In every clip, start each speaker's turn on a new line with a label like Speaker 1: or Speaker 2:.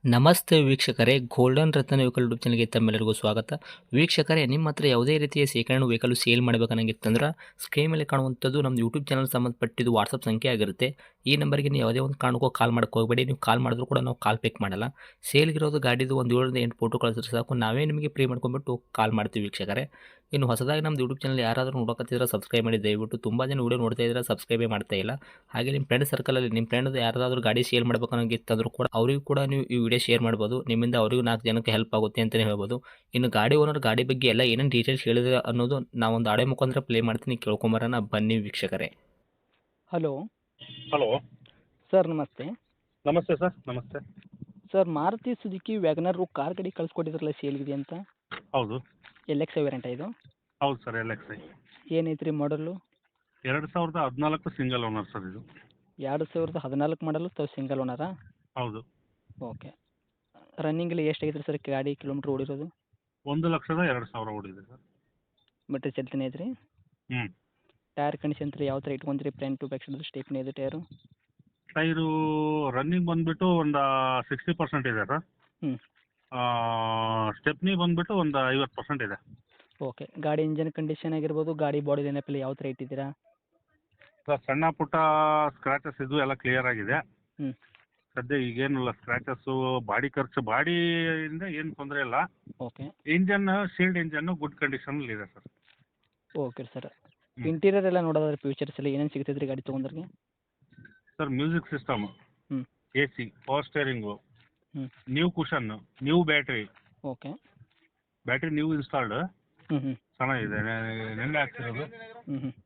Speaker 1: ನಮಸ್ತೆ ವೀಕ್ಷಕರೇ, ಗೋಲ್ಡನ್ ರತ್ನ vehicle YouTube ಚಾನಲ್ಗೆ ತಮ್ಮೆಲ್ಲರಿಗೂ ಸ್ವಾಗತ. ವೀಕ್ಷಕರೇ, ನಿಮ್ಮ ಹತ್ರ ಯಾವುದೇ ರೀತಿಯ ಶೇಖರಣೆ ವೆಹಿಕಲ್ ಸೇಲ್ ಮಾಡಬೇಕನ್ನಂಗಿತ್ತಂದ್ರೆ ಸ್ಕ್ರೀನ್ ಮೇಲೆ ಕಾಣುವಂಥದ್ದು ನಮ್ಮ ಯೂಟ್ಯೂಬ್ ಚಾನಲ್ ಸಂಬಂಧಪಟ್ಟಿದ್ದು ವಾಟ್ಸಪ್ ಸಂಖ್ಯೆ ಆಗಿರುತ್ತೆ. ಈ ನಂಬರ್ಗೆ ನೀವು ಯಾವುದೇ ಒಂದು ಕಾರಣಕ್ಕೂ ಕಾಲ್ ಮಾಡೋಕ್ಕೆ ಹೋಗಬೇಡಿ. ನೀವು ಕಾಲ್ ಮಾಡಿದ್ರು ಕೂಡ ನಾವು ಕಾಲ್ ಪಿಕ್ ಮಾಡಲ್ಲ. ಸೇಲ್ಗಿರೋದು ಗಾಡಿದು ಒಂದು 7ರಿಂದ 8 ಫೋಟೋ ಕಳಿಸಿದ್ರೆ ಸಾಕು, ನಾವೇ ನಿಮಗೆ ಪ್ರೀ ಮಾಡ್ಕೊಂಡ್ಬಿಟ್ಟು ಕಾಲ್ ಮಾಡ್ತೀವಿ ವೀಕ್ಷಕರೇ. ಇನ್ನು ಹೊಸದಾಗಿ ನಮ್ಮದು ಯೂಟ್ಯೂಬ್ ಚಾನಲ್ ಯಾರಾದರೂ ನೋಡೋಕತ್ತಿದ್ರೆ ಸಬ್ಸ್ಕ್ರೈಬ್ ಮಾಡಿ ದಯವಿಟ್ಟು. ತುಂಬ ಜನ ವೀಡಿಯೋ ನೋಡ್ತಾ ಇದ್ದಾರೆ, ಸಬ್ಸ್ಕ್ರೈಬೇ ಮಾಡ್ತಾ ಇಲ್ಲ. ಹಾಗೆ ನಿಮ್ಮ ಫ್ರೆಂಡ್ ಸರ್ಕಲಲ್ಲಿ ನಿಮ್ಮ ಫ್ರೆಂಡ್ ಯಾರಾದರೂ ಗಾಡಿ ಸೇಲ್ ಮಾಡಬೇಕನ್ನೋಂಗಿತ್ತಂದ್ರೂ ಕೂಡ ಅವರಿಗೂ ಕೂಡ ನೀವು ಈ ವಿಡಿಯೋ ಶೇರ್ ಮಾಡ್ಬೋದು. ನಿಮ್ಮಿಂದ ಅವರಿಗೂ 4 ಜನಕ್ಕೆ ಹೆಲ್ಪ್ ಆಗುತ್ತೆ ಅಂತಲೇ ಹೇಳ್ಬೋದು. ಇನ್ನು ಗಾಡಿ ಓನರ್ ಗಾಡಿ ಬಗ್ಗೆ ಎಲ್ಲ ಏನೇನು ಡೀಟೇಲ್ಸ್ ಹೇಳಿದ್ರೆ ಅನ್ನೋದು ನಾವೊಂದು ಆಡಿಯೋ ಮುಖಾಂತರ ಪ್ಲೇ ಮಾಡ್ತೀನಿ, ಕೇಳ್ಕೊಂಬರೋಣ ಬನ್ನಿ ವೀಕ್ಷಕರೇ.
Speaker 2: ಹಲೋ
Speaker 3: ಹಲೋ
Speaker 2: ಸರ್, ನಮಸ್ತೆ.
Speaker 3: ನಮಸ್ತೆ ಸರ್. ನಮಸ್ತೆ.
Speaker 2: Sir, Maruti Suzuki wagon R car ಗಾಡಿ ಕಳಿಸ್ಕೊಟ್ಟಿದ್ರಲ್ಲ ಸೇಲ್ಗಿದೆ ಅಂತ.
Speaker 3: ಹೌದು.
Speaker 2: ಎಲ್ ಎಕ್ಸ್ ವೇರಿಯಂಟ್ ಇದು?
Speaker 3: ಹೌದು ಸರ್, LXi
Speaker 2: ಏನೈತ್ರಿ ಮಾಡಲು?
Speaker 3: 2014 ಸಿಂಗಲ್ ಓನರ್ ಸರ್ ಇದು.
Speaker 2: 2014 ಮಾಡಲು ಸಿಂಗಲ್ ಓನರಾ?
Speaker 3: ಹೌದು.
Speaker 2: ಓಕೆ. ರನ್ನಿಂಗಲ್ಲಿ ಎಷ್ಟು ಐತ್ರಿ ಸರ್ ಗಾಡಿ ಕಿಲೋಮೀಟ್ರ್ ಓಡಿರೋದು?
Speaker 3: 1,02,000 ಓಡಿದೆ ಸರ್.
Speaker 2: ಮೀಟ್ರ್ ಚಲ್ತಿನೇ ಐತ್ರಿ?
Speaker 3: ಹ್ಞೂ.
Speaker 2: ಟೈರ್ ಕಂಡೀಷನ್ ರೀ ಯಾವ ಥರ ಇಟ್ಕೊಂತೀರಿ? Front to back side stepney ಇದೆ ಟೈರು?
Speaker 3: ಟೈರು ರನ್ನಿಂಗ್ ಬಂದುಬಿಟ್ಟು ಒಂದು 60% ಇದೆ ಸರ್.
Speaker 2: ಹ್ಞೂ.
Speaker 3: ಸ್ಟೆಪ್ನಿ ಬಂದುಬಿಟ್ಟು ಒಂದು 50% ಇದೆ.
Speaker 2: ಓಕೆ. ಗಾಡಿ ಇಂಜನ್ ಕಂಡೀಷನ್ ಆಗಿರ್ಬೋದು, ಗಾಡಿ ಬಾಡಿ ಲೈನಪ್ಪಲ್ಲಿ ಯಾವ ಥರ ಇಟ್ಟಿದ್ದೀರಾ?
Speaker 3: ಸರ್, ಸಣ್ಣ ಪುಟ್ಟ ಸ್ಕ್ರ್ಯಾಚಸ್ ಇದು ಎಲ್ಲ ಕ್ಲಿಯರ್ ಆಗಿದೆ.
Speaker 2: ಹ್ಞೂ.
Speaker 3: ಸದ್ಯ ಈಗೇನಿಲ್ಲ ಸ್ಕ್ರ್ಯಾಚಸ್ಸು, ಬಾಡಿ ಖರ್ಚು, ಬಾಡಿಯಿಂದ ಏನು ತೊಂದರೆ ಇಲ್ಲ.
Speaker 2: Okay.
Speaker 3: Engine shield engine good ಕಂಡೀಷನಲ್ಲಿ ಇದೆ ಸರ್.
Speaker 2: Okay sir. ಇಂಟೀರಿಯರ್ ಎಲ್ಲ ನೋಡೋದಾದ್ರೆ ಫ್ಯೂಚರ್ಸ್ ಎಲ್ಲ ಏನೇನು ಸಿಗ್ತೈತೆ ರೀ ಗಾಡಿ ತೊಗೊಂಡ್ರಿಗೆ?
Speaker 3: ಸರ್, ಮ್ಯೂಸಿಕ್ ಸಿಸ್ಟಮ್,
Speaker 2: ಹ್ಞೂ.
Speaker 3: AC, ಪವರ್ ಸ್ಟೇರಿಂಗು,
Speaker 2: ಹ್ಞೂ.
Speaker 3: New cushion, new battery.
Speaker 2: Okay.
Speaker 3: Battery new installed,
Speaker 2: ಹ್ಞೂ ಹ್ಞೂ
Speaker 3: ಚೆನ್ನಾಗಿದೆ. ನೆನ್ನೆ ಹಾಕ್ಸಿರೋದು.
Speaker 2: ಹ್ಞೂ ಹ್ಞೂ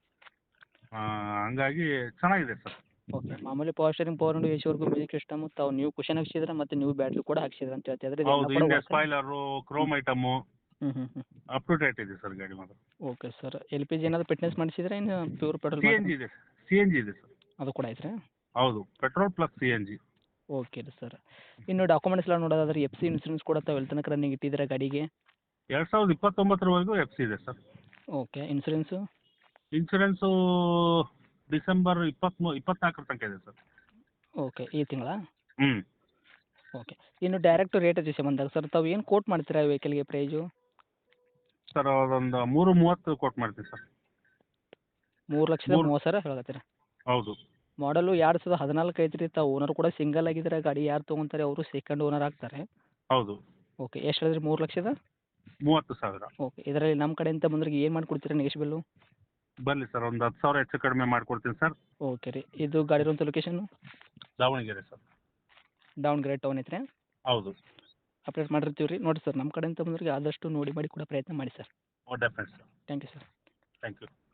Speaker 3: ಹಂಗಾಗಿ ಚೆನ್ನಾಗಿದೆ ಸರ್.
Speaker 2: ಓಕೆ. ಮಾಮೂಲಿ ಪವರ್ ಸ್ಟೇರಿಂಗ್, ಪವರ್ ವಿಂಡೋ, ಎಸಿವರೆಗೂ ಮ್ಯೂಸಿಕ್ ಸಿಸ್ಟಮ್, ತಾವು ನ್ಯೂ ಕುಷನ್ ಹಾಕ್ಸಿದ್ರೆ ಮತ್ತು ನ್ಯೂ ಬ್ಯಾಟ್ರಿ ಕೂಡ ಹಾಕ್ಸಿದ್ರೆ ಅಂತ ಹೇಳ್ತಿದ್ರೆ
Speaker 3: ಹೌದು, ಹಿಂದೆ ಸ್ಪಾಯ್ಲರು, ಕ್ರೋಮ್ ಐಟಮು
Speaker 2: ಹ್ಞೂ ಹ್ಞೂ ಹ್ಞೂ
Speaker 3: ಅಪ್ ಟು ಡೇಟ್ ಇದೆ ಸರ್ ಗಾಡಿ ಮಾತ್ರ.
Speaker 2: Okay sir. LPG ಏನಾದರೂ ಫಿಟ್ನೆಸ್ ಮಾಡಿಸಿದ್ರೆ ಇನ್ನು ಪ್ಯೂರ್ ಪೆಟ್ರೋಲ್?
Speaker 3: CNG ಇದೆ. CNG ಇದೆ ಸರ್.
Speaker 2: ಅದು ಕೂಡ ಐತ್ರಿ?
Speaker 3: ಹೌದು, ಪೆಟ್ರೋಲ್ ಪ್ಲಸ್ CNG.
Speaker 2: ಓಕೆ ರೀ ಸರ್. ಇನ್ನು ಡಾಕ್ಯುಮೆಂಟ್ಸ್ ಎಲ್ಲ ನೋಡೋದಾದ್ರೆ FC ಇನ್ಸೂರೆನ್ಸ್ ಕೂಡ ತಾವು ಎಲ್ಲಿ ತನಕ ರನ್ನಿಂಗ್ ಇಟ್ಟಿದ್ದೀರಾ ಗಾಡಿಗೆ?
Speaker 3: 2029 FC ಇದೆ sir.
Speaker 2: Okay. Insurance?
Speaker 3: Insurance December 24 ತನಕ ಇದೆ ಸರ್.
Speaker 2: ಓಕೆ. ಈ ತಿಂಗಳ?
Speaker 3: ಹ್ಞೂ.
Speaker 2: ಓಕೆ. ಇನ್ನು ಡೈರೆಕ್ಟ್ ರೇಟ್ ವಿಷಯ ಬಂದಾಗ ಸರ್, ತಾವು ಏನು ಕೋಟ್ ಮಾಡ್ತೀರಾ ವೆಹಿಕಲ್ಗೆ ಪ್ರೈಸು?
Speaker 3: ಸರ್, ಅದೊಂದು 330 ಕೊಟ್ಟು ಮಾಡ್ತೀವಿ ಸರ್.
Speaker 2: 3,30,000 ಹೇಳಕತ್ತೀರಾ?
Speaker 3: ಹೌದು.
Speaker 2: ಮಾಡಲು 2014 ಐತ್ರಿ. ತಾವು ಓನರ್ ಕೂಡ ಸಿಂಗಲ್ ಆಗಿದ್ರೆ ಗಾಡಿ ಯಾರು ತೊಗೊಂತಾರೆ ಅವರು ಸೆಕೆಂಡ್ ಓನರ್ ಆಗ್ತಾರೆ.
Speaker 3: ಹೌದು.
Speaker 2: ಓಕೆ. ಎಷ್ಟು ಹೇಳಿದ್ರಿ? 3,30,000?
Speaker 3: 30,000.
Speaker 2: ಓಕೆ. ಇದರಲ್ಲಿ ನಮ್ಮ ಕಡೆಯಿಂದ ಬಂದ್ರಿಗೆ ಏನು ಮಾಡಿಕೊಡ್ತೀರಾ ನೆಗೆಶ್ಬಲ್ಲು?
Speaker 3: ಬರಲಿ ಸರ್, ಒಂದು 10,000 ಹೆಚ್ಚು ಕಡಿಮೆ ಮಾಡಿಕೊಡ್ತೀನಿ ಸರ್.
Speaker 2: ಓಕೆ ರೀ. ಇದು ಗಾಡಿ ಇರುವಂಥ location?
Speaker 3: Davanagere sir.
Speaker 2: Davanagere town ಐತ್ರಿ?
Speaker 3: ಹೌದು.
Speaker 2: ಅಪ್ಡೇಟ್ ಮಾಡಿರ್ತೀವಿ ರೀ. ನೋಡಿ ಸರ್, ನಮ್ಮ ಕಡೆಯಿಂದ ಬಂದ್ರಿಗೆ ಆದಷ್ಟು ನೋಡಿ ಮಾಡಿ ಕೊಡೋ ಪ್ರಯತ್ನ ಮಾಡಿ sir.
Speaker 3: Definite sir.
Speaker 2: Thank you sir.
Speaker 3: Thank you.